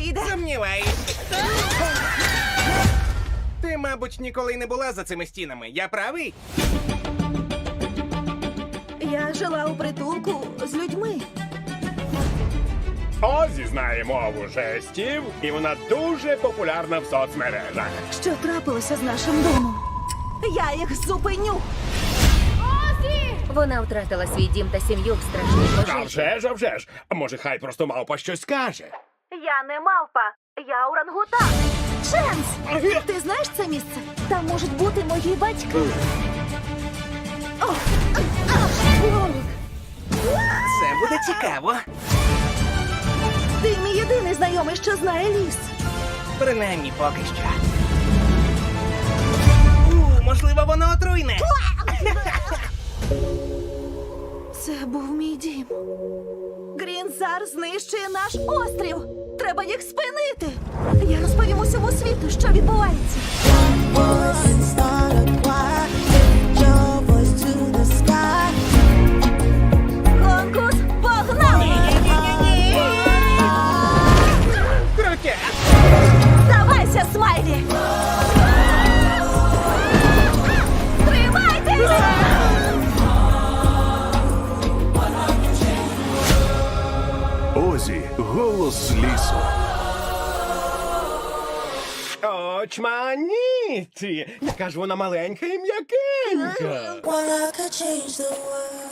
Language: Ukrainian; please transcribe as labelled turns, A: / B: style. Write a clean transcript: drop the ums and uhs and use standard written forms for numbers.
A: вийде.
B: Сумніваюсь. Ти, мабуть, ніколи не була за цими стінами. Я правий?
A: Я жила у притулку з людьми.
C: Озі знає мову жестів, і вона дуже популярна в соцмережах.
A: Що трапилося з нашим домом? Я їх зупиню.
D: Вона втратила свій дім та сім'ю в страшній
C: А
D: пожежі.
C: вже ж. А може, хай просто мавпа щось скаже.
A: Я не мавпа, я орангутан. Ченс! Ти знаєш це місце? Там можуть бути мої батьки. О! Вовик!
B: Це буде цікаво.
A: Ти мій єдиний знайомий, що знає ліс.
B: Принаймні поки що. Можливо, воно отруйне.
A: Це був мій дім. Грінзар знищує наш острів. Треба їх спинити. Я розповім усьому світу, що відбувається.
E: Voice and start a choir. Lift your voice to the sky.
A: Конкурс погнав!
B: Крутя!
A: Здавайся, Смайлі! Тримайтесь!
F: Озі, голос лісу.
C: Очманіті! Яка ж вона маленька і м'якенька.
E: Well, I could change the world.